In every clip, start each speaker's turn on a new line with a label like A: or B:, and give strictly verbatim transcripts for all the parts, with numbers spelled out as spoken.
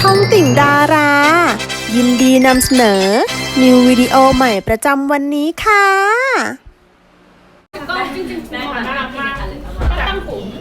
A: องติ่งดารา ยินดีนำเสนอ นิววิดีโอใหม่ประจำวันนี้ค่ะ
B: ก็จริงๆน่ารักมากตั้งถุง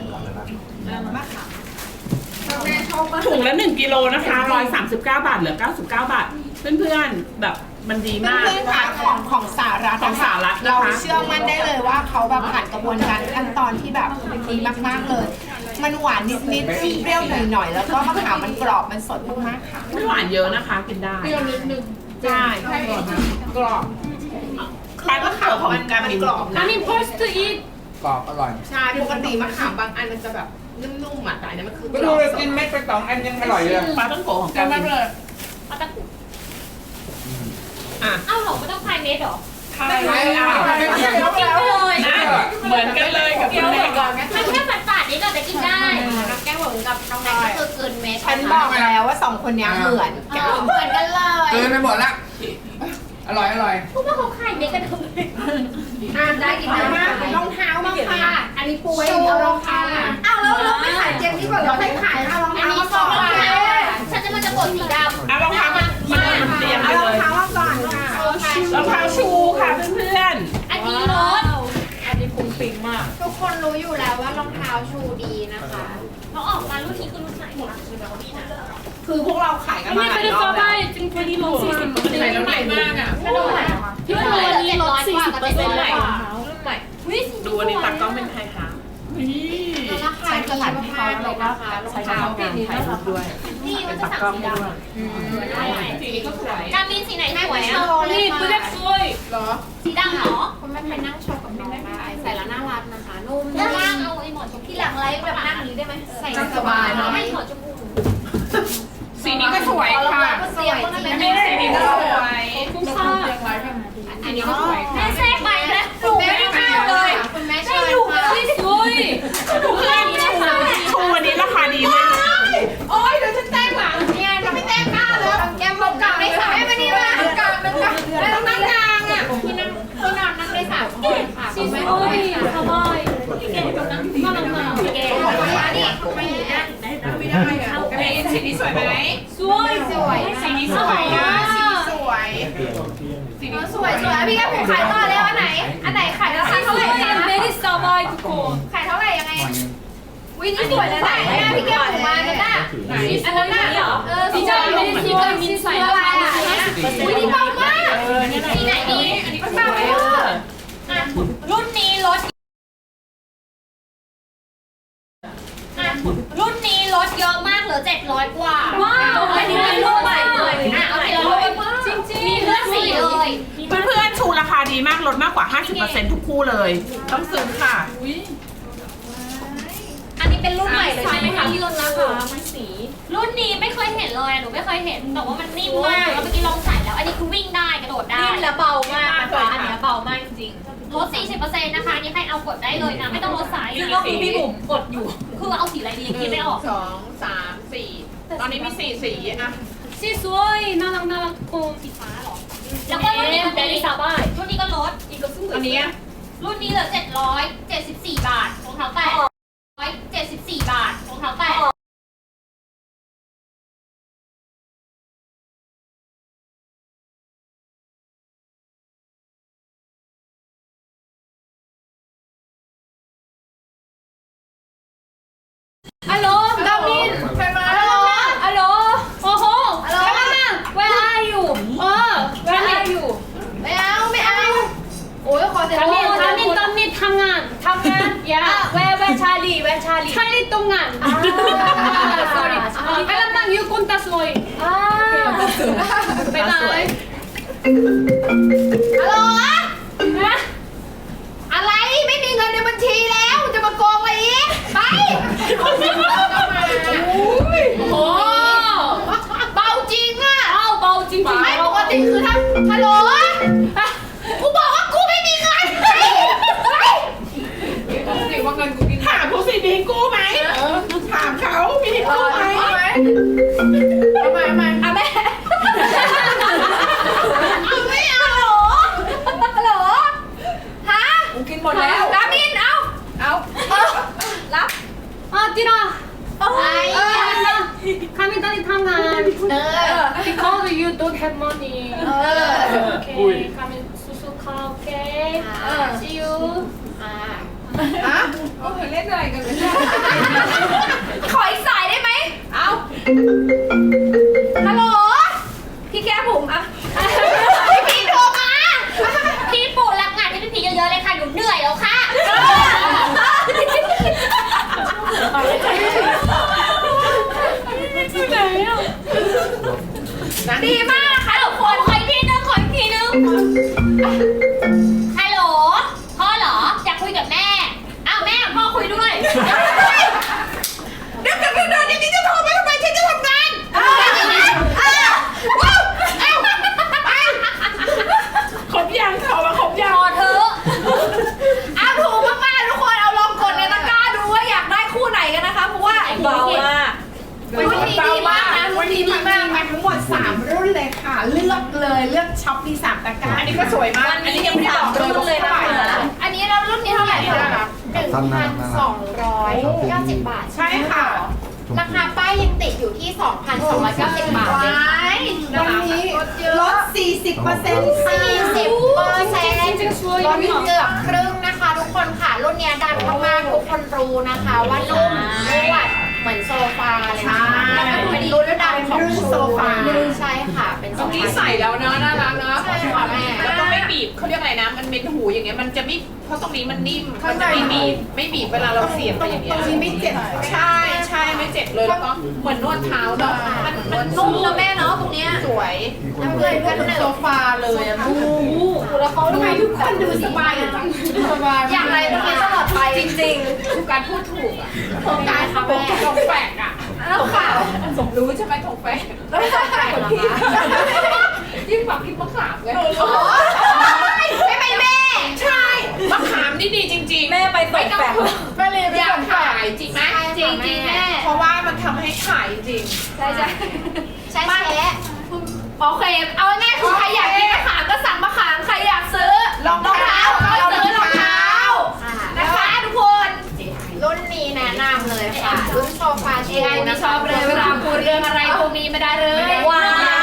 B: ถุงละหนึ่งกิโลนะคะร้อยสามสิบเก้าบาทเหลือเก้าสิบเก้าบาทเพื่อนๆแบบมันดีมาก
C: เพื่อนๆค่ะของของสารัฐ
B: ของสหรัฐนะคะ
C: เราเชื่อมั่นได้เลยว่าเขาแบบผ่านกระบวนการขั้นตอนที่แบบดีมากๆเลย มันหวานนิดๆเปรี้ยวหน่อยๆแล้วก็มะขามมันกรอบมันสดมากๆค่ะ
B: ไม่หวานเยอะนะคะกินได้เปรี้ยวนิดนึงใช่กรอบคล้ายมะขามของการมินกรอบนะ
D: I mean, first to eat.
E: กรอบอร่อย
C: ใช่ปกติมะขามบางอันมันจะแบบนุ่มๆอ่ะแต่อันนี้มันคือ
E: ก็ดูเลยกินเม็ดไปสองอันยังอร่อยเลย
B: ปลาต้องโกะของการมิน
D: เอาตะกุ
B: อ่ะ
D: เอ้าเหรอไม่ต้องพายเม็ดเหรอ
B: ไม่ไม่เอา
D: กินเลย
B: นะเหมือนกันเลยกับคุณแม่ก่อน
D: มันแค่ฝาดๆนิดหน่อยแต่กินได้น้องแก้วเหมือนกับน้องแม็กก็คือเกินเม็ด
C: ฉันบอกแล้วว่าสองคนนี้เหมือนกัน
D: เหมือนกันเลย
E: เกินไปหมดละอร่อยอร่อย
D: พวกว่าเขาขายเม็ดกันทำไม
C: อ่านได้กินได้มากรองเท้าบ้างค่ะอันนี้ปูไว้เอารองเท้าอ้าวแล้วเราไม่ขายเจมนี่ก่อนเราไม่ขายเอารอง
D: อัน
C: เท้า
D: นี้
C: มา
D: ซ
C: ก่
D: อ
C: อง น
D: รองเท้าฉันจะมันจะกดสีดำ
B: อ่ะรองเท้ามันมันมันเตรียมไป
C: เอาร
B: เล
C: อง
B: ย
C: เท้ามาก่อนค่ะ
B: รองเท้าชูค่ะเพื่อน
D: อันนี้รถ
B: ๆอันนี้ปุ้งปิงมาก
D: ทุกคนรู้อยู่แล้วว่ารองเท้าชูดีนะคะเขาออกมารุ่นนี้คือรุ่นไหนคะคือแบบดีนะ
C: คือพวกเราขายกันมาหลายรอบแล้ว
D: จริงๆดีลงสี่สิบเปอร์เซ็นต์
B: ใส่แล้วใหม่มากอ่ะ
D: กระโดดพี่ว่าวันนี้ลดสี่สิบเปอร์เซ็นต์ใหม่
B: ดูอันนี้ตักกล้องเป็นไทยค่ะนี่
D: ราคาดีมากเลยนะคะรองเท้าแบบนี้
B: ถ่ายรูปด้วย
D: นี่มันจะสั่งสีดำสีนี้ก็สวยการมีสีไหนสวยอ่ะ
C: นี่เพื่อน
D: สวยเหรอสีดำเหรอคุณแม่ไปนั่งโชว์กับน้องได้ใส่แล้วน่ารักนะคะนุ่มด้านล่างเอาไอ้หมอนชมพูที่หลังไลฟ์แบบนั่งนี้ได้ไหมใส่สบายเนาะไม่หมอนชมพู
B: สีนี้ก็สวยค่ะ
D: สวยจริง
B: นี่สีนี้ก็สวย
D: คุ้มค่าอันนี้ก็สวยแม่แทรกไปแล้วถูกไม่ได้ข้าวเลยคุณแม่เชิญค่ะสวย
B: เพื่อนชูวันนี้ราคาดีมาก
C: โอ๊ยเดี๋ยวฉันแจ้งหลังเนี่ยจะไม่แจ้งหน้าแล้วแกมบอกกลางไม่ขายมานี่ละกลางเป็นกลางแล้วนั่งกลางอ่ะ
D: ที่นั่งที่นอนนั่งได้สามคนค่ะคุณแม่โอ้ยสบายแกกับนั่งมาลงมาแกนี่คุณแม่นั่งไม่ได้อะ
B: สีนี้สวยไหม
D: สวยสวย
B: สีนี้สวยนะ
C: สวย
D: สีนี้สวยสวยพี่แก้ผมขายต่อแล้วอันไหนอันไหนขายราคาเท่าไหร่คะไม่ได้สบายทุกคนขายเท่าไหร่ยังไงวินี่สวยเลยนะพี่แก้ผมมาเนี่ยนะอันนั้นน่ะเออสีดำไม่ได้สีดำมินใส่อะไรอ่ะวินี่เบามากสีไหนดีอันนี้ก็สวยรุ่นนี้ลดรุ่นนี้ลดเยอะมากเหลือเจ็ดร้อยกว่าว้าวอันนี้เป็นรุ่นใหม่เลยอ่ะเอาทีละรุ่นจริงๆมีเลือกสีเลย
B: เพื่อนๆชูราคาดีมากลดมากกว่า ห้าสิบเปอร์เซ็นต์ ทุกคู่เลย ต้องซื้อค่ะ
D: อันนี้เป็นรุ่นใหม่เลยใช่ไหมคะที่ลดราคามันสีรุ่นนี้ไม่เคยเห็นเลยหนูไม่เคยเห็นแต่ว่ามันนิ่มมากแล้วเมื่อกี้ลองใส่แล้วอันนี้คือวิ่งได้กระโดดได้นิ่มและเบามากนะคะอันนี้เบามากจริงลด สี่สิบเปอร์เซ็นต์ นะคะอันนี้ให้เอากดได้เลยนะไม่ต้องลดไซส์ซึ่งก็คือพี่บุ๋มกดอยู่คือเอาสีอะไรดีคิดไม่ออก
B: สองสามสี่ตอนนี้มีสี่สีอะ
D: สีสวยน่ารักน่ารักโกมสีฟ้าหรอแล้วก็รุ่นนี้รุ่นนี้รุ่นนี้ก็ลดอีกก็ซึ่ง
B: อันนี้
D: รุ่นนี้เหลือเจ็ดร้อยเจ็ดสิบสี่บาทรองเท้าแตะร้อยเจ็ดสิบสี่บาทรองเท้าแตะฮัลโหลดามินใครมาฮัลโหลโอ้โหฮัลโหล Where are you เออ Where are you ไม่เอาไม่เอาโอ้ยขอเสียง
F: ดามินดามินดามินทำงานทำงานอย่าแวร์แวร์ชาลีแวร์ชาลีชาลีตรงงาน sorry ไปลำนังยูกุนตาสวยไปไหน
C: ฮัลโหลอะไรไม่มีเงินในบัญชีแล้วจะมาโกงอะไรอีกไป
F: โอ้
C: เบาจริงอ่ะ
F: เอาเบาจริงๆ
C: ไม่ปกติคือถ้าฮัลโหลกูบอกว่ากูไม่มีเงินไปไป
B: ถามผู้สิมีกู้ไหมถามเขามีกู้ไหม
C: ทำไมทำไม
F: อ่ะแม่
C: เอาไม่เอาฮัลโหลฮัลโหลฮะ
F: กินหมดแล้ว
C: ดามินเอาเอารับ
F: อ่ะจีน่า
C: อะไร
F: คามินตอนนี้ทำงาน because you don't have money.
C: เออ
F: Okay, come in Suzuka, okay? See you.
C: อ่ะ
B: โอ้ยเล่นอะไรกันเลย
D: ขออีกสายได้ไหม
B: เอา
D: ฮัลโหล พี่แก้ผมอะพี่พีโทรมา พี่ปู่รับงานให้พี่พีเยอะๆเลยค่ะ หนูเหนื่อยแล้วค่ะ ดีมากค่ะทุกคนขออีกทีนึงขออีกทีนึงฮัลโหล พ่อเหรอ อยากคุยกับแม่ อ้าวแม่พ่อคุยด้วย
C: เดี๋ยวเดี๋ยวเดี๋ยวเดี๋ยวนี่จะโทรมาทำไมฉันจะทำงาน
B: ครบยังเขามาครบยัง
D: พอเถอะเอาถูกมากๆทุกคน เอาลองกดในตะกร้าดูว่าอยากได้คู่ไหนกันนะคะ เพราะว่าเบามากรุ่นนี้ดีมากนะรุ่
C: วัน น
D: นี้
C: นี้
D: ดี
C: มัน
D: มาก
C: มีมาทั้งหมดสามรุ่นเลยค่ะ เลือกเลยเลือกช็อปมีสามตะกร้า
B: อันนี้ก็สวยมาก อันนี้ยังไม่ได้บอกเลยว่าเท่าไหร่นะ
D: อันนี้เรารุ่นนี้เท่าไหร่คะหนึ่งพันสองร้อยเก้าสิบบาท
C: ใช่ค่ะ
D: ราคาป้ายยังติดอยู่ที่ สองพันสองร้อยเก้าสิบบาทเลย
C: วันนี้ลด สี่สิบเปอร์เซ็นต์
D: สี่สิบเปอร์เซ็นต์
F: จริงๆสวย
D: ลดเกือบครึ่งนะคะ ทุกคนค่ะรุ่นเนี้ยดังมากๆทุกคนรู้นะคะว่านุ่มนวดเหมือนโซฟาเลยนะคะแล้วก็เป็นรุ่นดังของโซฟาใช่ค่ะเป็นโซ
B: เมื่อกี้
D: ฟา
B: ใส่แล้วเนาะน่ารักเนาะ
D: ใช่ค่ะแม่
B: แล้วก็ไม่บีบเขาเรียกอะไรนะ มันเป็นหูอย่างเงี้ย มันจะไม่ เพราะตรงนี้มันนิ่ม มันจะไม่บีบ ไม่บีบเวลาเราเสียบไปอย่างเงี้ย
C: ตรงนี้ไม่เจ็บ
B: ใช่ใช่ไม่เจ็บเลย แล้วก็เหมือนนวดเท้าเนาะ
D: มันมันนุ่มนะแม่เนาะตรงเนี้ย
B: สวย
D: น้ำเกลือกันหนึ่ง
C: โซฟาเลยอะลูก
D: แล้วเขา
C: ทำไมทุกคนดูสบายจังสบาย
D: อย่างไรตรงนี้ตลอดไปจริง
B: ทุกการพูดถูกอ่ะ
D: ๆโครงการค่ะแม่
B: ทงแฝกอ่ะ
D: แล้วค่ะ
B: สมรู้ใช่ไหมทงแฝก
D: แล้วไม่ต้องใส่หรอคะ
B: ยิ่งกว่าพริกมะขามเลย
D: ใช่ไหมแม่
B: ใช่มะขามนี่ดีจริงๆ
C: แม่ไปตกแปะแม่เลย
B: อยากขายจริงไหม
D: จริงจริงๆแม่
B: เพราะว่ามันทำให้ขายจริง
D: ใช่ใช่ใช่แช่โอเค เอาง่ายๆคือใครอยากกินมะขามก็สั่งมะขาม ใครอยากซื้อ
C: รองเท้า
D: ก็ซื้อรองเท้านะคะทุกคน รุ่นนี้แนะนำเลยค่ะ รุ่นโซฟาชูนะชอบเลยเวลาพูดเรื่องอะไรพวกนี้ไม่ได้เลย ว้าว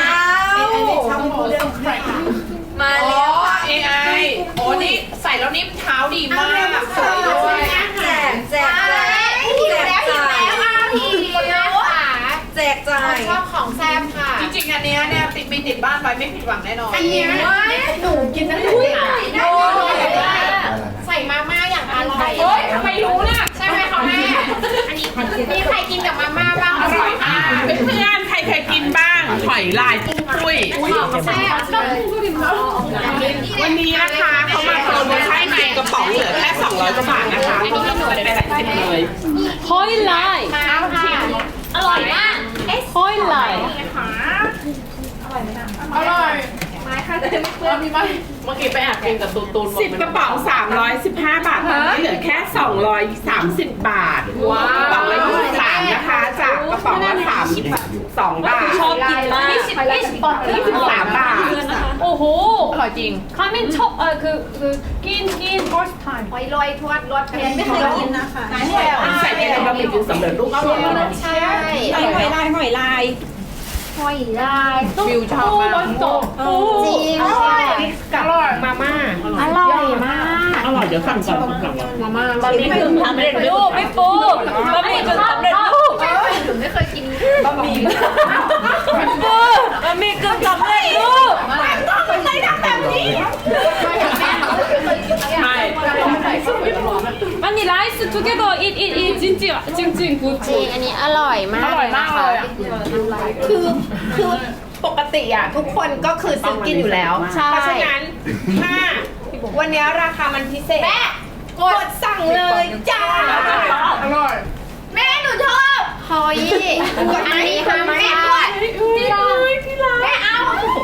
C: อันนี้ทำเรื่องแปลก
D: มา
B: อ๋อ
D: แล้ว
B: เอไอโอ้นี่ใส่แล้วนิ่มเท้าดีมากสวยด้วย
C: แจกแจก
D: แจกหิวแล้วหิวแล้วอ่ะพี่ค่ะ
C: แจกจ่าย
D: ชอบของแซ่บค่ะ
B: จริงๆอันเนี้ยเนี่ยติดมีติดบ้านไว้ไม่ผิดหวังแน่นอน
C: อันเนี้ยหนูกินตั้งแต่เด็ก
D: ได้ใส่มาม่าอย่างอร่อย
B: เฮ้ยทำไมรู้ล่ะ
D: ใช่ไหมคะแม่ อันนี้มีใครกินกับมาม่าบ้าง
B: อร่อยมากเพื่อนๆใครเคยกินบ้างหอยลายปุ้งปุ้ย
D: ของแซ่บเลย
B: วันนี้นะคะเขามาโปรโมชั่นในกระป๋องเหลือแค่สองร้อยกว่าบาทนะคะลดไปหลายสิบเลย
F: ฮอยไลน์
D: มาค่ะ
F: อร่อยมากฮอยไลน์
B: อร่อยไม้ค่ะแต่ไม่เพื่อนมีไหมเมื่อกี้ไปแอบกินกับตูนตูนสิบกระป๋องสามร้อยสิบห้าบาทตอนนี้เหลือแค่สองร้อยสามสิบบาทว้าวกระป๋องละยี่สิบสามนะคะจากกระป๋องละสามสิบสองบาท
F: ชอบกินมากยี่สิบยี่สิบบาท
B: ยี่สิบสามบาท
F: โอ้โห
B: อร่อยจริง
F: คามินชอบเออคือคือกินกิน first time
D: หอยลอยทวดรสเผ็ด
C: ไม่เคยกินนะคะ
B: ใส่ในบะหมี่กึ่งสำเร็จรูปก็อร่อยนะ
D: ใช่
C: หอยลายหอยลาย
D: หอยลาย
B: วิวชอบมาก
D: จริง
B: อร่อยอร่อยมาม่า
D: อร่อยมาก
B: อร่อยเดี๋ยวสั่งก่อนสั่งก่อนมาม่า
F: บะหมี่กึ่งสำเร็จรูปไม่ปูบะหมี่กึ่งสำเร็จรูป
D: หนูไม่เคยกิน
B: บะหมี่
F: ไม่ปูบะหมี่กึ่งสำเร็จรูป
B: คนไหนทำแบบนี้ไม่
F: มันนี่ไลฟ์ together eat eat eat จริงจริงจริงจริง good
D: จริงอันนี้อร่อยมาก
B: อร่อยมากเลยอ่ะ
C: คือคือปกติอ่ะทุกคนก็คือซื้อกินอยู่แล้ว
D: ใช่
C: เพราะฉะนั้นถ้าวันนี้ราคามันพิเศษ
D: แม่
C: กดสั่งเลยจ้า
B: อร่อย
D: แม่หนูชอบหอยอันนี้ค่ะแม่ด้วยที่รักที่รักแม่เอา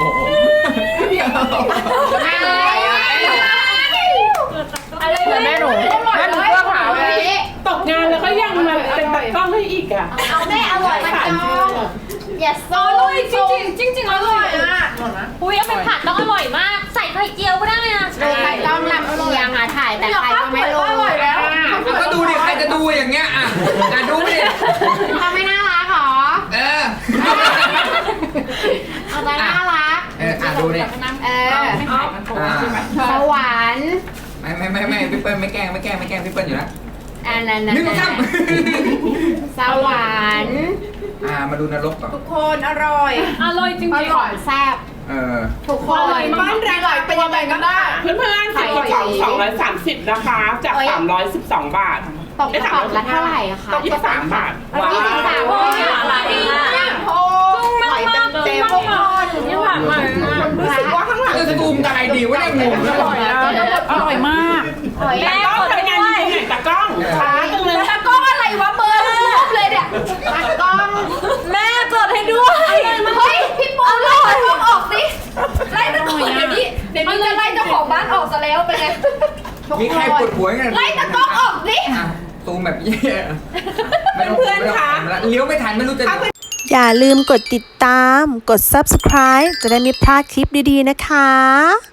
D: อะไรแม่หนูแม่หนูเพื่อขาวเลย
B: ตกงานแล้วก็ยังมาเป็นตากล้องให้อีกอ่ะ
D: เอาแม่อร่อยมันจองอย่าโซ่
F: อร่อยจริงจริงจริงอร่อยอุ้ยเอาไปผัดต้องอร่อยมาก ใส่ไข่เจียวก็ได้นะ
D: ดูใครต้องลำเอียงอ่ะถ่ายแต่ใครก็ไม่รู้อร่อยแล้ว
E: ก็ดูดิใครจะดูอย่างเงี้ยอ่ะอ่ะดูดิ
D: เขาไม่น่ารักหรอ
E: เออดูเนี่ย
C: เออ
E: อ่า
C: สวรรค์
E: ไม่ไม่ไม่ไม่พี่เปิ้ลไม่แกล้งไม่แกล้งไม่แกล้งพี่เปิ้ลอยู่แล้ว
C: อันนั้น
E: หนึ่งสองสาม
C: สวรรค์
E: อ่ามาดูนรกก่อน
C: ทุกคนอร่อย
F: อร่อยจริง
C: อ
F: ๆ
C: ร่อยแซ่บ
E: เออ
C: ทุกคนบ้านแรงๆเป็นยังไงกันบ้าง
B: เพื่อนๆสิบกระป๋องสองร้อยสามสิบนะคะ จากสามร้อยสิบสองบาท
C: ตกกระป๋องละเท่าไหร่อะคะ
B: ยี่สิบสามบาท
C: ยี่สิบสาม
F: ว้าว
C: อะไรอ่ะโอ้หอยเต็มเต็มทุกคน
F: นี่หวานมาก
C: รู้สึกว่าข้างหลัง
E: จะซูมได้ดีว่าเนี่ยงง
B: อร่อยนะอร่อยมาก
C: หอย
B: ตากล้องทำงานจริงๆไหนตากล้องช้าจังเลย
C: ตะก้องอะไรวะเบอร์รูปเลยเนี่ยตะก้อง
F: แม่กดให้ด้วย
C: เฮ้ยพี่ปูไล่ตะก้องออกสิไล่ตะก้องเดี๋ยวนี้เดี๋ยวนี้จะไล่เจ้าของบ้านออกซะแล้วเป็นไง
E: มีใครปวดหัวกัน
C: ไล่ตะก้องออกสิ
E: อ่ะซูมแบบแย่เพื่อนๆคะเลี้ยวไม่ทันไม่รู้จะ
A: อย่าลืมกดติดตาม กด ซับสไครบ์ จะได้ไม่พลาดคลิปดีๆนะคะ